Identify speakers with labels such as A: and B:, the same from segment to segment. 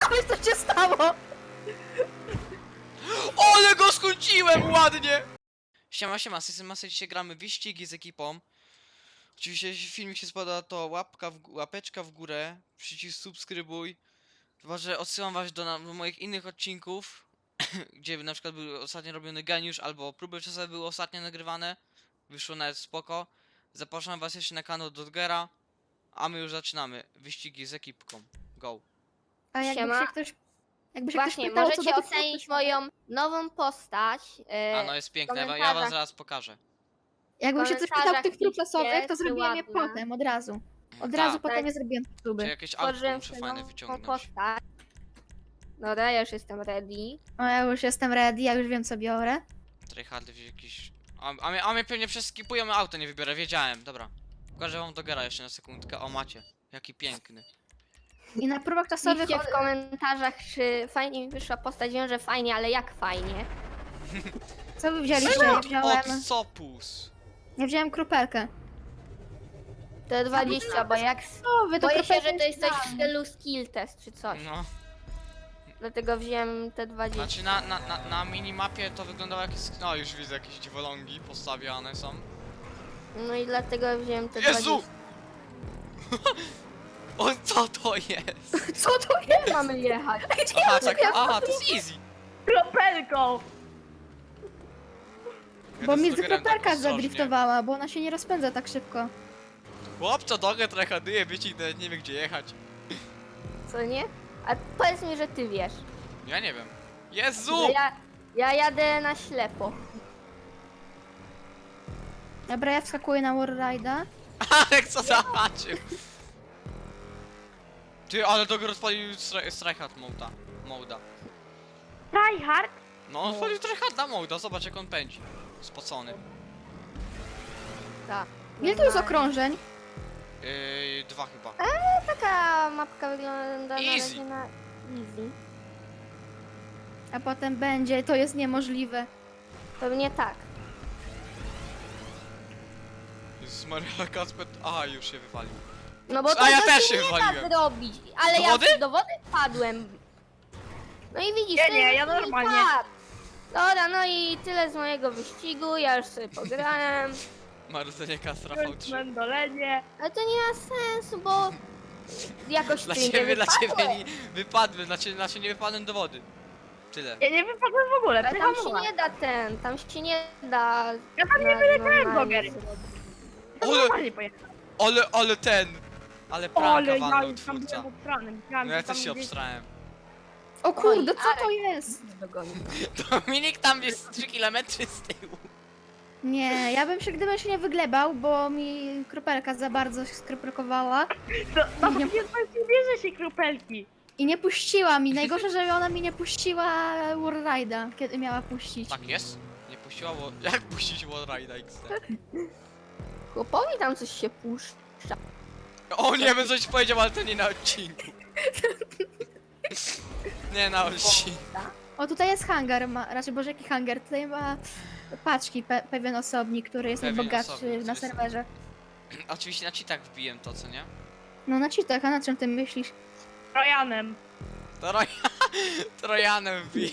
A: Widziałeś, co się stało?
B: Ale go skróciłem ładnie! Siema, siema, z tej masy dzisiaj gramy wyścigi z ekipą. Oczywiście jeśli filmik się spodoba, to łapeczka w górę, przycisk subskrybuj. Chyba, że odsyłam was do moich innych odcinków, gdzie na przykład był ostatnio robiony geniusz, albo próby czasowe były ostatnio nagrywane. Wyszło nawet spoko. Zapraszam was jeszcze na kanał Dodgera, a my już zaczynamy. Wyścigi z ekipką. Go.
A: A jakby
C: Siema.
A: się ktoś... Jakby się
C: Właśnie,
A: ktoś pytał, co
C: możecie
A: do tych
C: ocenić
A: fotek-
C: moją nową postać.
B: A no jest piękne, ja wam
C: komentarzach.
B: zaraz pokażę.
A: Jakby się coś pytał
C: komentarzach
A: tych prób
C: piszcie,
A: losowych, to
C: czy
A: zrobiłem je
C: ładna.
A: potem, od razu. Od
B: Tak.
A: razu potem
C: Tak.
A: je zrobiłem
B: Czy
A: próby.
B: jakieś autko
C: Stworzyłem
B: muszę
C: sobie
B: fajne
C: nową
B: wyciągnąć.
C: postać. Dobra, ja już jestem ready.
A: O, ja już jestem ready, ja już wiem, co biorę.
B: Tryhardy wziąć jakiś... A mnie pewnie przeskipują, auto nie wybiorę, wiedziałem, dobra. Pokażę wam Dogera jeszcze na sekundkę, o macie. Jaki piękny.
A: I na próbach czasowych...
C: Piszcie w komentarzach, czy fajnie mi wyszła postać. Wiem, że fajnie, ale jak fajnie.
A: Co wy wzięliście? Ja wziąłem...
B: Od Sopus.
A: Ja wziąłem kropelkę.
C: To 20, bo jak...
A: O, wy to
C: Boję się, że
A: kropelkę
C: to jest coś w
A: dałam.
C: stylu skill test czy coś.
B: No.
C: Dlatego wziąłem te 20.
B: Znaczy na minimapie to wyglądało jak... No już widzę jakieś dziwolągi postawiane są.
C: No i dlatego wziąłem te
B: Jezu!
C: 20.
B: O, co to jest?
A: Co to jest?
C: Gdzie mamy jechać?
B: Aha, tak, aha, to jest easy.
C: Kropelką!
B: Ja
A: Bo
B: to z
A: mi
B: Dogerem tak
A: kropelka
B: ostrożnie.
A: zadriftowała, bo ona się nie rozpędza tak szybko.
B: Chłopco Doger tryharduje, wyścig nawet nie wie gdzie jechać.
C: Co nie? A powiedz mi, że ty wiesz.
B: Ja nie wiem. Jezu!
C: Że ja jadę na ślepo.
A: Dobra, ja wskakuję na Warride'a.
B: Alek co zobaczył? Ty, ale Doger rozpalił Tryhard moda.
C: Tryhard?
B: No, on odpalił Tryharda moda, zobacz jak on pędzi. Spocony.
C: Tak.
A: Ile to jest okrążeń?
B: 2 chyba.
C: Taka mapka wygląda na
B: Easy.
C: razie na easy.
A: A potem będzie, to jest niemożliwe.
C: Pewnie tak.
B: Jezus Maria, Kacper... Aha, już się wywalił.
C: No bo
B: A
C: to
B: ja
C: to
B: też
C: się
B: się
C: nie da
B: wywaliłem.
C: zrobić. Ale
B: Do
C: ja
B: wody?
C: do wody padłem. No i widzisz,
D: Nie,
C: to
D: nie,
C: jest
D: ja
C: taki
D: normalnie.
C: pad. Dobra, no i tyle z mojego wyścigu, ja już sobie pograłem.
B: Marudzenie Kastra
D: Kończ
B: V3.
D: mendolenie.
C: Ale to nie ma sensu, bo jakoś
B: Dla
C: ty nie
B: ciebie
C: wypadłem.
B: nie wypadłem, dla ciebie nie wypadłem do wody. Tyle.
D: Ja nie wypadłem w ogóle,
C: Ale tam się
D: przyhamowałem.
C: nie da tam się nie da.
D: Ja tam nie wyleciałem, Doger.
C: zrobić.
D: Ja
B: Ale-
D: normalnie pojechałem.
B: Ale ten! Ale pranka
D: Ale ja
B: walnął
D: już tam
B: twórca.
D: byłem obstrany. Myślałem,
B: No ja
D: że tam
B: też się
D: gdzieś-
B: obstrałem.
A: O kurde,
C: Oj,
A: co to jest?
C: Dogonił.
B: Dominik tam jest 3 km z tyłu.
A: Nie, ja bym się, gdybym się nie wyglebał, bo mi kropelka za bardzo się skropelkowała
D: To
A: Nie-
D: nie bierze się kropelki.
A: i nie puściła mi. Najgorsze, że ona mi nie puściła Warride'a, kiedy miała puścić.
B: Tak jest? Nie puściła, bo... Jak puścić Wallride'a XT?
C: Chłopowi tam coś się puszcza.
B: O nie, bym coś powiedział, ale to nie na odcinku. Nie na odcinku.
A: O, tutaj jest hangar, raczej boże jaki hangar, tutaj ma paczki, pewien osobnik, który jest
B: Pewien
A: najbogatszy
B: osobnik,
A: na
B: co jest-
A: serwerze.
B: Oczywiście na cheatach wbiłem to, co nie?
A: No na cheatach, a na czym ty myślisz?
D: Trojanem.
B: Trojanem wbił.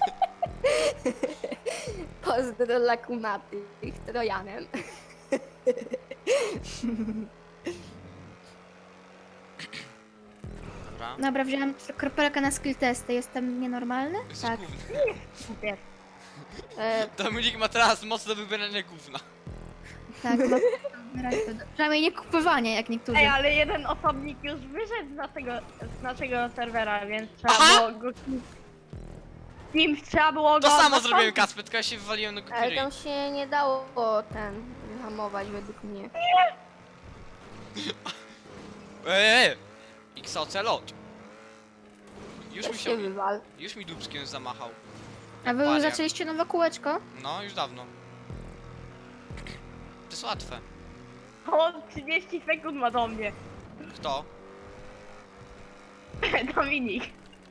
C: Pozdro dla kumaty, ich Trojanem.
B: Dobra.
A: Dobra, wziąłem kropelkę na skill testy, jestem nienormalny?
B: Jesteś
A: Tak.
B: gówny.
D: Super.
B: Dominik ma teraz moc do wybierania gówna.
A: Tak, no, przynajmniej nie kupowanie jak niektórzy.
D: Ej, ale jeden osobnik już wyszedł z naszego serwera, więc trzeba
B: Aha!
D: było go... Trzeba było go...
B: To samo
D: zastąpić.
B: zrobiłem, Kacper, tylko ja się wywaliłem do
C: Ale
B: kupiry.
C: tam się nie dało wyhamować według mnie.
B: XOC lot.
C: Też się wywal.
B: Już mi dubskiem zamachał.
A: A wy już
B: Paliak.
A: zaczęliście nowe kółeczko?
B: No, już dawno. To jest łatwe.
D: On 30 sekund ma do mnie.
B: Kto?
D: Dominik.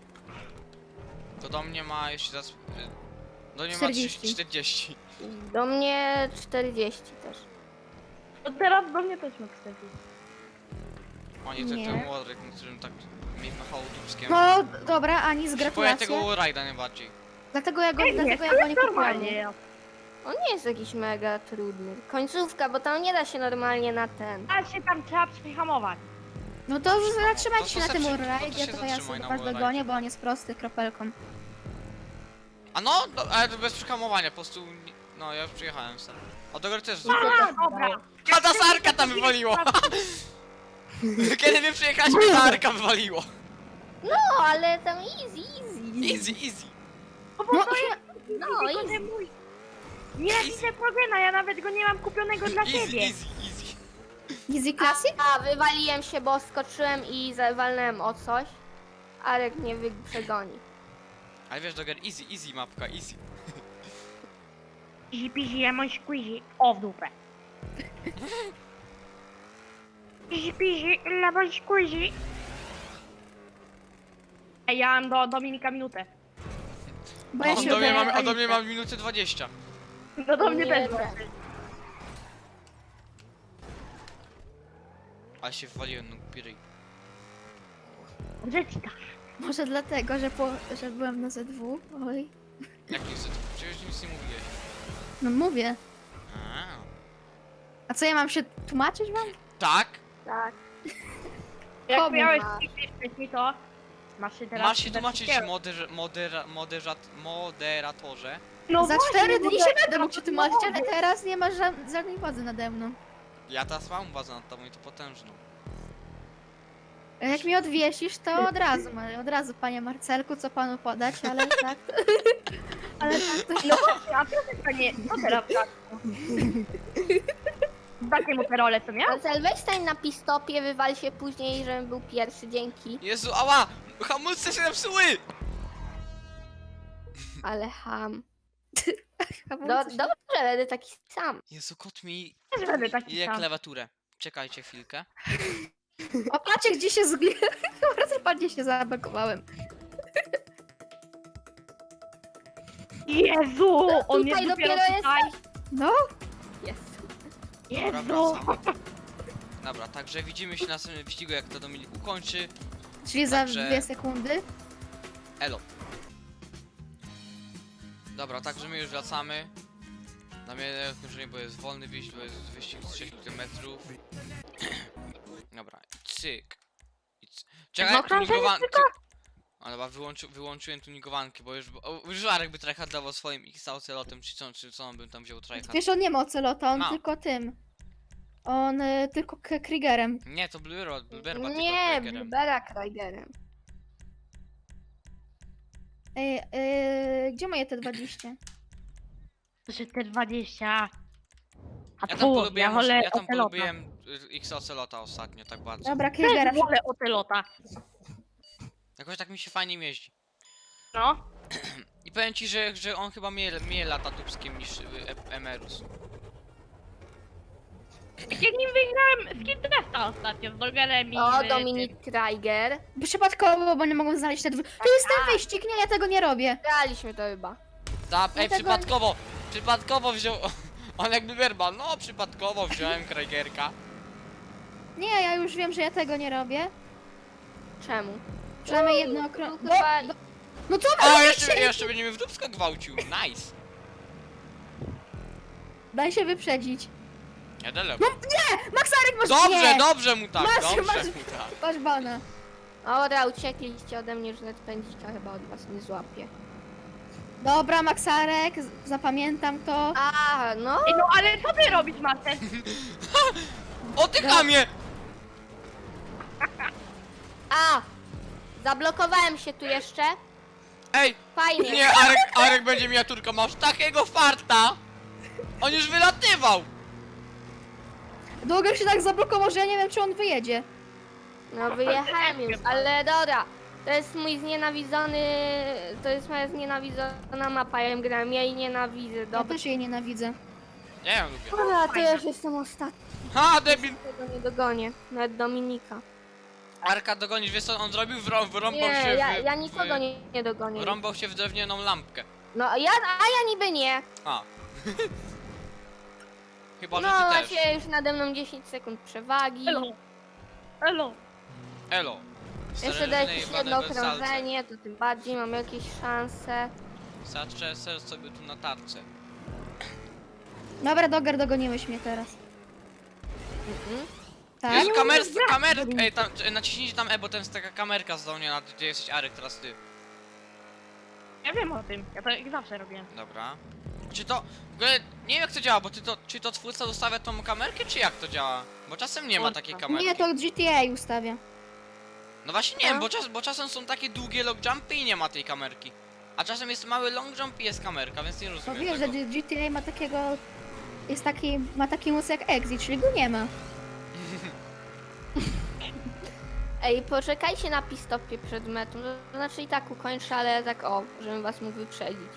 B: To do mnie ma jeszcze zaraz... Do mnie ma
A: 40.
B: 40.
C: Do mnie 40 też.
D: To teraz do mnie też ma 40.
B: O nie,
A: Nie.
B: ten Warwick, na którym tak mi machało dupskiem.
A: No dobra, Ani,
B: Boję
A: gratulacje.
B: tego Warrida najbardziej.
A: Dlatego ja go
D: Ej,
A: nie
D: jest normalnie.
A: kupiłam.
D: Jest.
C: On nie jest jakiś mega trudny. Końcówka, bo tam nie da się normalnie na ten.
D: A się tam trzeba przyhamować.
A: No to już zatrzymajcie
B: to
A: się na
B: se
A: tym
B: przy-
A: Warride'ie,
B: to się
A: to ja
B: zatrzymaj
A: sobie
B: na
A: was
B: Warride'ie.
A: dogonię, bo on jest prosty kropelką.
B: A no, ale to bez przyhamowania, po prostu... No, ja już przyjechałem sam. O, do góry też
D: A, dobra.
B: A ta sarka tam wywaliło! Kiedy my przyjechaliśmy, ta arka wywaliło.
C: No, ale tam easy.
B: Easy, easy.
D: No bo
A: No,
D: to jest...
C: No,
D: tylko,
C: easy.
D: że mój... Nienawidzę Progena, ja nawet go nie mam kupionego dla
B: Easy,
D: siebie.
B: easy, easy.
A: Easy Classic?
C: A, wywaliłem się, bo skoczyłem i walnąłem o coś. Arek mnie przegoni.
B: Ale wiesz, Doger, easy, easy mapka, easy.
D: Pizi, pizi, lemon squeezy. O, w dupę. Pizi, pizi, lemon squeezy. Ej, ja mam do Dominika minutę.
A: Bo ja
B: On
A: się
B: do mnie
A: udaję
B: ma, a do mnie
A: Alicę.
B: ma minutę 20.
D: No do mnie
C: Nie,
D: też.
C: nie.
B: Ale się wywaliłem, no głupi ryj.
D: Że ci tak.
A: Może dlatego, że byłem na Z2. Oj.
B: Jak nie chcę, przecież nic nie mówiłeś.
A: No mówię.
B: A.
A: A co ja mam się tłumaczyć wam?
B: Tak?
C: Tak.
D: Jak
A: Komu
D: miałeś
C: masz?
D: mi to, masz się teraz...
B: Masz się tłumaczyć
D: wszystkiego.
B: moderatorze.
D: No
A: Za
D: właśnie,
A: 4
D: bo
A: dni
D: to-
A: się będę mógł się tłumaczyć, ale
D: no,
A: teraz nie masz żadnej władzy nade mną.
B: Ja teraz mam bazę nad tobą i to potężną.
A: A jak mi odwiesisz, to od razu, panie Marcelku, co panu podać, ale tak. Ale tak to
D: No właśnie, a to nie... Co teraz tak? Takie mu te role, co miał?
C: Marcel, weź stań na pistopie, wywal się później, żebym był pierwszy, dzięki.
B: Jezu, ała! Hamulce się napsuły!
C: Ale ham.
A: hamulce się-
C: Dobrze, będę taki sam.
B: Jezu, kot mi
D: Też będę taki
B: je
D: sam.
B: klawiaturę. Czekajcie chwilkę.
A: O, patrzcie, gdzie się Bardzo ładnie się zablokowałem.
D: Jezu! On
C: Tutaj
D: jest dopiero
C: dopiero
D: tutaj.
A: No,
C: Jest.
B: Dobra,
D: Jezu!
B: wracam. Dobra, także widzimy się na następnym wyścigu, jak to Dominik ukończy.
A: czyli za
B: Także-
A: 2 sekundy.
B: Elo. Dobra, także my już wracamy. Na mnie skończenie, bo jest wolny wyjść, bo jest wyścig z 6 km. Dobra, cyk. Czekaj,
D: No, krążenie
B: tunigowanki. A dobra, wyłączyłem tunigowanki, bo już Arek by tryhardował swoim X-Ocelotem, czy co on by tam wziął tryhard.
A: Wiesz, on nie ma ocelota, on
B: Ma.
A: tylko tym. On tylko Kriegerem.
B: Nie, to Bluebird tylko
C: Nie,
B: Kriegerem.
C: Bluebera Kraigerem.
A: Ej, gdzie moje te 20?
D: Że te 20... A
B: Ja tam
D: tu,
B: polubiłem,
D: wolę
B: ja tam
D: Ocelota.
B: polubiłem X-Ocelota ostatnio, tak bardzo.
A: Dobra, Kriegera.
D: Też wolę Ocelota.
B: Jakoś tak mi się fajnie jeździ.
D: No.
B: I powiem ci, że on chyba mniej lata dupskiem niż Emerus.
D: Jak nim wygrałem w Kidresta ostatnio z Dogerem i...
C: O,
D: z-
C: Dominik Kraiger.
A: Przypadkowo, bo nie mogą znaleźć te dwa. To jest ten wyścig, nie, ja tego nie robię.
C: Graliśmy to chyba.
B: Ej,
A: Dlatego-
B: przypadkowo wziął... On jakby werba, no przypadkowo wziąłem Kraigerka.
A: Nie, ja już wiem, że ja tego nie robię.
C: Czemu?
A: Przynajmniej jedno okrąg...
C: Chyba...
A: No co
B: O,
A: wy
B: jeszcze będzie mnie w dupsko gwałcił, nice.
A: Daj się wyprzedzić.
B: Ja dalej.
A: Maxarek masz...
B: Dobrze,
A: nie!
B: dobrze mu tak,
A: Masz,
B: dobrze
A: masz.
B: mu tak.
A: Masz bana.
C: Dobra, uciekliście ode mnie, że nawet pędzika chyba od was nie złapie.
A: Dobra, Maxarek, zapamiętam to.
C: A, no.
D: Ej, no ale co ty robisz, Marcel?
B: O ty chamie!
C: A! Zablokowałem się tu jeszcze.
B: Ej,
C: Fajnie.
B: nie, Arek będzie miniaturka, masz takiego farta! On już wylatywał!
A: Długo się tak zablokował, że ja nie wiem, czy on wyjedzie.
C: No wyjechałem już, ale dobra. To jest mój znienawidzony... To jest moja znienawidzona mapa, ja ją gram, ja jej nienawidzę,
A: Ja
C: dobra.
A: też jej nienawidzę.
B: Ja ją lubię.
C: Dobra, to ja już jestem ostatni,
B: Ha, debil!
C: tego nie dogonię. Nawet Dominika.
B: Arka dogonisz, wiesz co on zrobił? Wrąbał
C: Nie,
B: się
C: ja nikogo nie dogonię.
B: Wrąbał się w drewnianą lampkę.
C: No, a ja niby nie.
B: A. Chyba, że
C: No,
B: ty też.
C: macie już nade mną 10 sekund przewagi.
D: Elo. Elo.
B: Elo.
C: Jeszcze daję jakieś jedno okrążenie, to tym bardziej mam jakieś szanse.
B: Zaczę sobie tu na tarce.
A: Dobra, Doger, dogoniłeś mnie teraz. Tak?
B: Jezu, ej, tam, naciśnijcie tam bo tam jest taka kamerka zdolniona, gdzie jesteś Arek, teraz ty.
D: Ja wiem o tym, ja to jak zawsze robię.
B: Dobra. Czy to, w ogóle, nie wiem jak to działa, bo czy to twórca zostawia tą kamerkę, czy jak to działa? Bo czasem nie ma takiej kamerki.
A: Nie, to GTA ustawia.
B: No właśnie nie wiem, bo czasem są takie długie long jumpy i nie ma tej kamerki. A czasem jest mały long jump i jest kamerka, więc nie
A: Bo
B: rozumiem
A: wiesz, że
B: tego.
A: GTA ma takiego... ma taki mus jak Exit, czyli go nie ma.
C: Ej, poczekajcie na pistopie przed metą. To znaczy i tak ukończę, ale tak o, żebym was mógł wyprzedzić.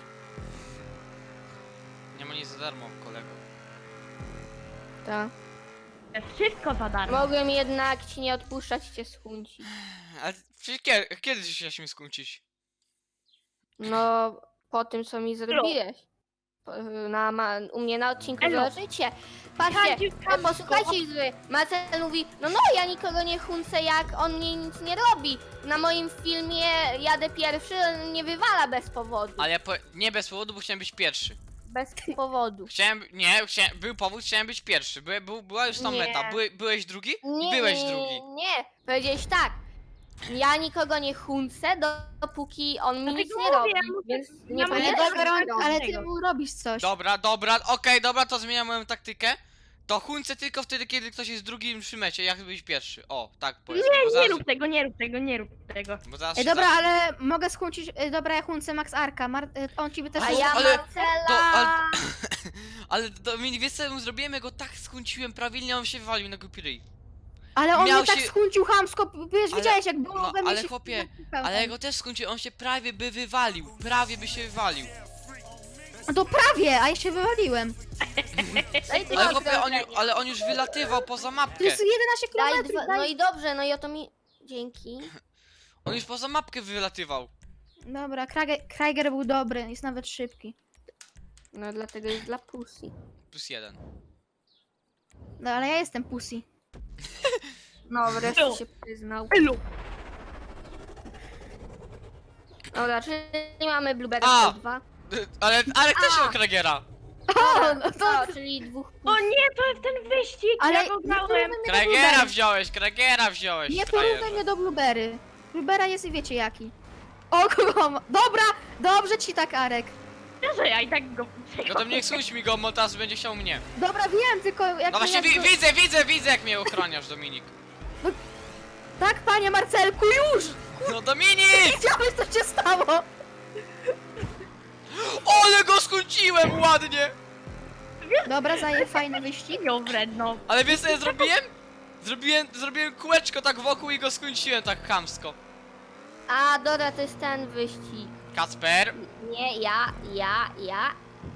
B: Nie ma nic za darmo, kolego.
C: Tak.
D: To jest wszystko za darmo.
C: Mogłem jednak ci nie odpuszczać cię skuncić.
B: Ale przecież kiedy się śmiesz skłócić?
C: No, po tym co mi zrobiłeś. U mnie na odcinku
D: Elo.
C: zobaczycie. Patrzcie, posłuchajcie Izby. Marcel mówi, no ja nikogo nie chuncę, jak on mnie nic nie robi. Na moim filmie jadę pierwszy, on mnie wywala bez powodu.
B: Ale nie bez powodu, bo chciałem być pierwszy.
C: Bez powodu.
B: Był powód, chciałem być pierwszy. Była już tam
C: Nie.
B: meta. Byłeś drugi?
C: Nie,
B: Byłeś
C: nie,
B: drugi.
C: Nie, powiedziałeś tak. Ja nikogo nie chuncę, dopóki on mi nic
D: Dlatego
C: nie robi,
D: mówię,
C: więc
D: ja
C: nie
D: mówię,
A: Ale
C: powinieneś
A: Doger,
C: tego robić.
A: ale ty mu robisz coś.
B: Dobra, okej, dobra, to zmieniam moją taktykę. To huncę tylko wtedy, kiedy ktoś jest drugim przy mecie, jak byś pierwszy. O, tak powiedzmy, bo
D: Nie
B: zaraz,
D: rób tego, nie rób tego, nie rób tego.
B: bo zaraz
A: Ej,
B: się
A: dobra, ale mogę skłócić... Dobra, ja chunce Max Arka. On ci by też...
C: A ja
B: Ale-
C: Marcela...
B: Ale Dominik, wiesz co ja mu zrobiłem? Ja go tak skunciłem prawilnie, on się wywalił na głupi ryj.
A: Ale on
B: miał
A: mnie tak
B: się-
A: skuncił chamsko, wiesz,
B: Ale-
A: widziałeś jak było
B: no,
A: we mnie
B: ale
A: się
B: chłopie,
A: wkupiał.
B: Ale ja go też skunciłem, on się prawie by wywalił. Prawie by się wywalił.
A: No to prawie, a ja się wywaliłem.
C: Daj ty
B: Ale
C: mi
B: chłopie,
C: okrążenie.
B: ale on już wylatywał poza
A: To
B: mapkę.
A: jest 11
C: Daj
A: km.
C: dwa, no i dobrze, no i o to mi... Dzięki.
B: On już poza mapkę wylatywał.
A: Dobra, Kraiger był dobry, jest nawet szybki.
C: No dlatego jest dla pussy.
B: +1.
A: No ale ja jestem pussy.
C: No wreszcie się przyznał.
D: Elu.
C: Dobra, czyli mamy Blueberry
B: A!
C: 2.
B: Ale Arek też miał Kragiera.
A: O, no to...
C: No, czyli dwóch
D: O nie, to jest ten wyścig,
A: Ale
D: ja
A: nie
D: go
A: porównuj
D: grałem.
A: mnie do
B: Kragiera
A: Blueberry.
B: wziąłeś,
A: Nie
B: frajerze.
A: porównuj mnie do Blueberry. Bluebera jest i wiecie jaki. O, kogo ma... Dobra, dobrze ci tak, Arek.
D: Że ja i tak go
B: No to nie skuć mi go, bo teraz będzie chciał mnie.
A: Dobra, wiem, tylko jak...
B: No właśnie
A: jak go-
B: widzę jak mnie ochroniasz, Dominik.
A: Tak, panie Marcelku, już!
B: No Dominik!
A: Wiedziałeś, co się stało!
B: Ale go skunciłem ładnie!
A: Dobra, zaję fajny wyścig.
D: ją wredno.
B: Ale wiesz co ja zrobiłem? Zrobiłem kółeczko tak wokół i go skunciłem tak chamsko.
C: A, dobra, to jest ten wyścig.
B: Kacper,
C: Nie, ja.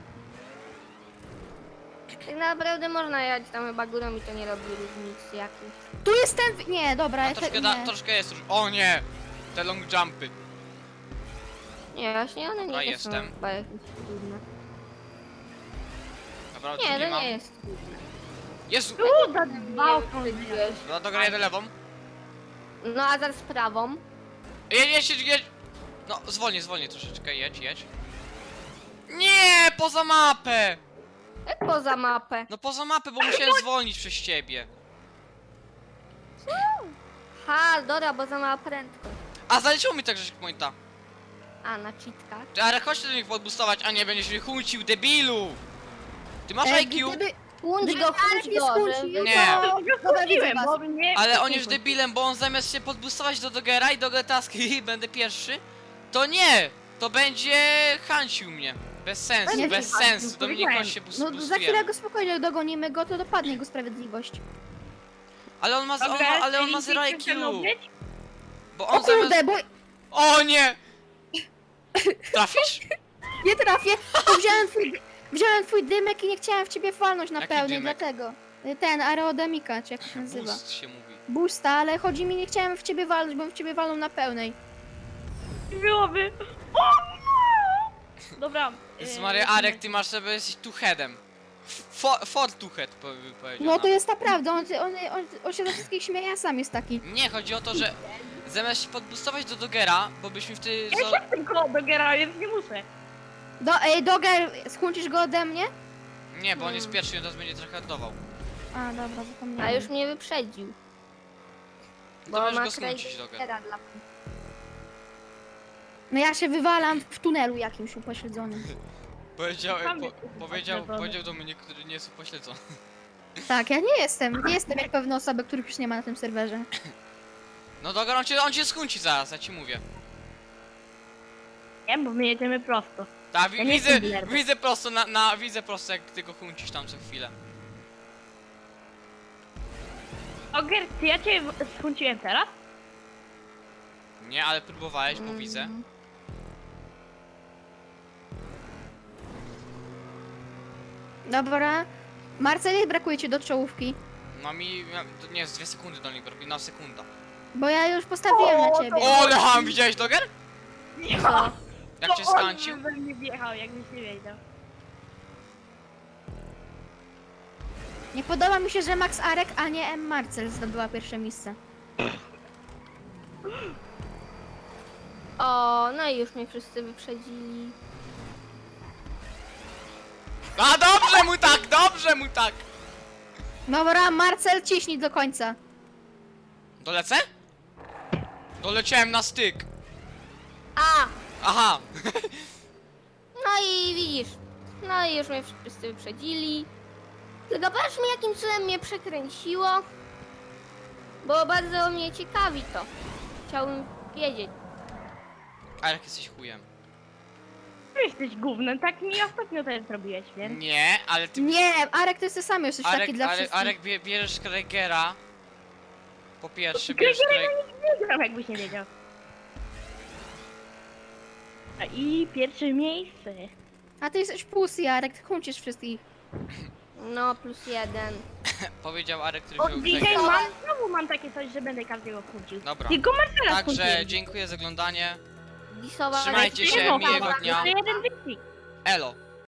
C: Tak naprawdę można jechać tam chyba górą i to nie robi różnicy jakiejś.
A: Tu jest ten... Nie, dobra,
B: a
A: ja
B: troszkę,
A: nie.
B: troszkę jest O nie! Te long jumpy.
C: Nie, właśnie one
B: Dobra,
C: nie
B: jestem.
C: są chyba jakieś trudne.
B: Dobra,
C: Nie,
B: drugi
C: to
B: mam.
C: nie jest trudne.
B: Jezu!
D: Tu za dwa okrążenia.
C: Wiesz.
B: Dobra, dobra, jedę lewą.
C: No a zaraz prawą.
B: Jedź! No, zwolnij troszeczkę, jedź. Nie, poza mapę!
C: Jak poza mapę.
B: No poza mapę, bo musiałem zwolnić przez ciebie.
C: Ha, dobra, bo za mała prędkość.
B: A zaliczyło mi tak, że pointa.
C: A, na cheatkach.
B: Ty, ale chodź do nich podbustować, a nie będziesz mnie chuncił, debilu! Ty masz
A: Ej,
B: IQ?
A: gdyby...
C: Chłódź
A: Gdyby
C: go,
A: Arek
C: chłódź
A: nie
C: go.
A: skłócił,
C: żeby-
B: Nie.
A: to... Dobra, widzę was.
D: bo mnie...
B: Ale on jest debilem, bo on zamiast się podbustować do Dogera i Doger taski będę pierwszy, to nie! To będzie hancił mnie. Bez sensu,
A: Nie
B: bez
D: hancił,
B: sensu. Dominik, chodź się
A: No za chwilę
B: boostujemy.
A: go spokojnie dogonimy go, to dopadnie go sprawiedliwość.
B: Ale on ma, on ma 0 IQ. Bo
A: O
B: on zamiast...
A: kurde, bo
B: O nie! Trafisz?
A: nie trafię, bo wziąłem twój dymek i nie chciałem w ciebie walnąć na
B: Jaki
A: pełnej,
B: dymek?
A: dlatego. Ten, aerodemika, czy jak się nazywa.
B: Boost się mówi.
A: Boosta, ale chodzi mi, nie chciałem w ciebie walnąć, bo w ciebie walną na pełnej.
D: Byłoby... O! Dobra.
B: Jezus Maria, Arek, ty masz sobie, jesteś tu headem. Fortuchet powiedział.
A: No to jest naprawdę, on się ze wszystkich śmieje, a sam jest taki.
B: Nie, chodzi o to, że zamiast się podbustować do Dogera, bo byśmy wtedy...
D: Ja się tylko do Gera, więc nie muszę.
A: Doger, skuncisz go ode mnie?
B: Nie, bo on jest pierwszy i on teraz będzie tryhardował.
A: A, dobra, zapomniałem.
C: A już mnie wyprzedził.
B: To
C: Bo
B: możesz
C: ma
B: go skrócić, Doger.
C: Kradera dla...
A: No ja się wywalam w tunelu jakimś upośledzonym.
B: Powiedział,
D: Sam jest
B: powiedział do mnie, który nie jest upośledzony.
A: Tak, ja nie jestem jak pewne osoby, których już nie ma na tym serwerze.
B: No Doger, on cię skunci zaraz, ja ci mówię.
D: Nie, bo my jedziemy prosto.
B: Tak,
D: Ja nie jestem
B: widzę,
D: dealerem.
B: widzę prosto, widzę prosto jak ty go huncisz tam co chwilę.
D: Oger, czy ja cię skunciłem teraz?
B: Nie, ale próbowałeś, bo widzę.
A: Dobra. Marcel, brakuje ci do czołówki.
B: No to nie, z 2 sekundy do niego, robi na sekunda.
A: Bo ja już postawiłem na ciebie.
B: O, ale ham, widziałeś Doger?
A: Co?
B: Jak cię skancił?
D: On by we mnie wjechał, jakbyś nie wiedział.
A: Nie podoba mi się, że Max Arek, a nie M. Marcel zdobyła pierwsze miejsce.
C: O, no i już mnie wszyscy wyprzedzili.
B: A dobrze mu tak!
A: Dobra, Marcel, ciśnij do końca.
B: Dolecę? Doleciałem na styk.
C: A!
B: Aha.
C: No i widzisz. No i już mnie wszyscy wyprzedzili. Tylko patrz mi, jakim cudem mnie przekręciło. Bo bardzo mnie ciekawi to. Chciałbym wiedzieć.
B: A jak jesteś chujem?
D: Ty jesteś gównem, tak mi ostatnio też zrobiłeś, więc...
B: Nie, ale ty...
A: Nie, Arek, to jesteś sam, jesteś taki dla wszystkich.
B: Arek bierzesz Kregera. Po pierwsze, bierzesz
D: Gregera
B: Kregera.
D: nie gram, jakbyś nie wiedział. A i pierwsze miejsce.
A: A ty jesteś pusy, Arek, ty huncisz wszystkich.
C: No, +1.
B: Powiedział Arek, który
D: O,
B: wziął
D: dzisiaj
B: Kregera.
D: znowu mam takie coś, że będę każdego kłócił.
B: Dobra.
D: Tylko Marcela
B: Także
D: skłóciłem.
B: dziękuję za oglądanie.
C: Disowa
B: Trzymajcie się,
D: Jeszcze
B: miłego dnia.
D: jeden wyścig.
B: Elo.